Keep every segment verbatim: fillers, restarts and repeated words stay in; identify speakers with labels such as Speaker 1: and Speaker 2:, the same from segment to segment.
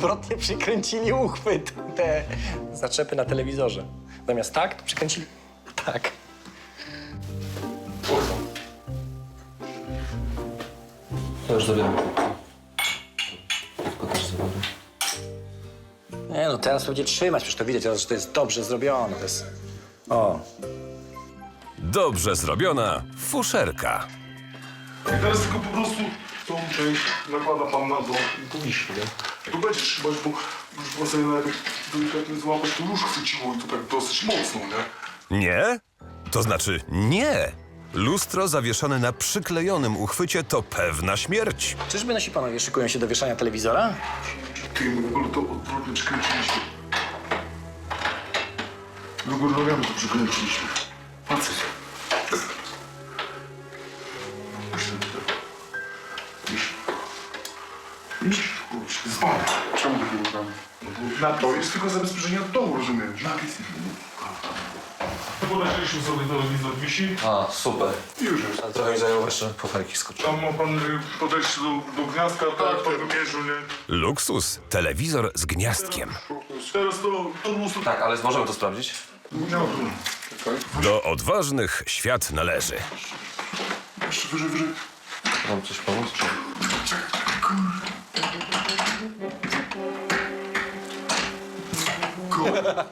Speaker 1: odwrotnie przykręcili uchwyt. Te zaczepy na telewizorze. Zamiast tak, to przykręcili tak.
Speaker 2: To już zabieram. Tylko też zabiorę.
Speaker 1: Nie no, teraz będzie trzymać, przecież to widać, że to jest dobrze zrobione. To jest... O.
Speaker 3: Dobrze zrobiona fuszerka.
Speaker 4: I teraz tylko po prostu tą część nakłada pan na dół i to wisi, nie? Tu będzie trzymać, bo już pan sobie nawet delikatnie złapać, to już chwyciło i to tak dosyć mocno, nie?
Speaker 3: Nie? To znaczy nie. Lustro zawieszone na przyklejonym uchwycie to pewna śmierć.
Speaker 1: Czyżby nasi panowie szykują się do wieszania telewizora?
Speaker 4: Ty, my w ogóle to odwrotnie przykręciliśmy. Do góry nogami to przykręciliśmy. Facet. Iść, kurczę, zbadaj. Czemu do góry nogami? Na to jest tylko zabezpieczenie od dołu, rozumiesz? Napis. Podeszliśmy sobie telewizor wisi.
Speaker 2: A, super.
Speaker 4: I już jest.
Speaker 2: Ale trochę mi zajęło jeszcze poferki skoczyć.
Speaker 4: Tam ma pan y, podejść do, do gniazdka, tak, pan wymierzył, nie?
Speaker 3: Luksus. Telewizor z gniazdkiem.
Speaker 4: Teraz to, to lustro...
Speaker 2: Tak, ale możemy to sprawdzić?
Speaker 4: Nie ma problemu. Czekaj.
Speaker 3: Do odważnych świat należy.
Speaker 4: Jeszcze wyżej, wyżej.
Speaker 2: Mam coś pomóc, czy...
Speaker 4: Czekaj, czekaj, kurde.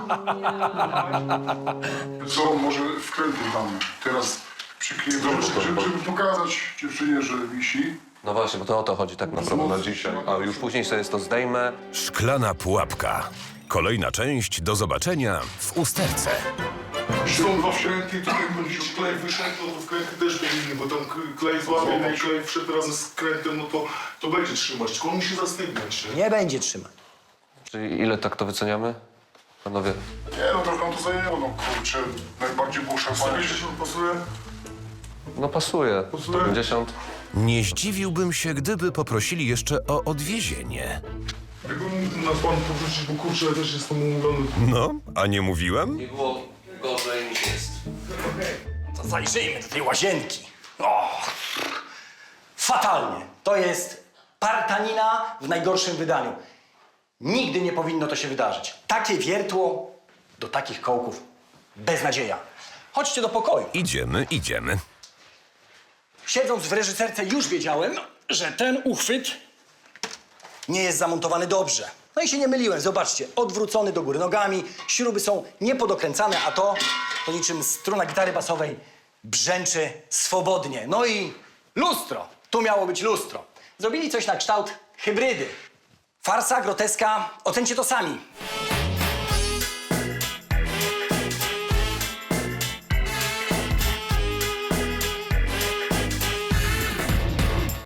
Speaker 4: Co, może wkręty damy. Teraz przykryjemy, żeby, żeby pokazać dziewczynie, że wisi.
Speaker 2: No właśnie, bo to o to chodzi tak naprawdę na dzisiaj. A już później sobie to zdejmę.
Speaker 3: Szklana pułapka. Kolejna część do zobaczenia w usterce.
Speaker 4: Są dwa wkręty, to jak będzie klej wyszedł, to wkręty też powinny, bo tam klej złapie, no i klej wszedł razem z krętem, no to, to będzie trzymać, tylko on musi zastygnąć, nie?
Speaker 1: Nie będzie trzymać.
Speaker 2: Czyli ile tak to wyceniamy? Panowie.
Speaker 4: Nie no, trochę nam to zajęło, no kurczę, najbardziej było szarpanie. pięćdziesiąt pasuje?
Speaker 2: No pasuje.
Speaker 4: Pasuje?
Speaker 2: pięćdziesiąt.
Speaker 3: Nie zdziwiłbym się, gdyby poprosili jeszcze o odwiezienie.
Speaker 4: Jakbym nas pan powrócić, bo kurczę, ja też jestem umówiony.
Speaker 3: No, a nie mówiłem?
Speaker 2: Nie było gorzej niż jest.
Speaker 1: To zajrzyjmy do tej łazienki. O! Fatalnie. To jest partanina w najgorszym wydaniu. Nigdy nie powinno to się wydarzyć. Takie wiertło do takich kołków. Beznadzieja. Chodźcie do pokoju.
Speaker 3: Idziemy, idziemy.
Speaker 1: Siedząc w reżyserce już wiedziałem, że ten uchwyt nie jest zamontowany dobrze. No i się nie myliłem, zobaczcie, odwrócony do góry nogami, śruby są niepodokręcane, a to, to niczym struna gitary basowej brzęczy swobodnie. No i lustro, tu miało być lustro. Zrobili coś na kształt hybrydy. Farsa, groteska, ocencie to sami.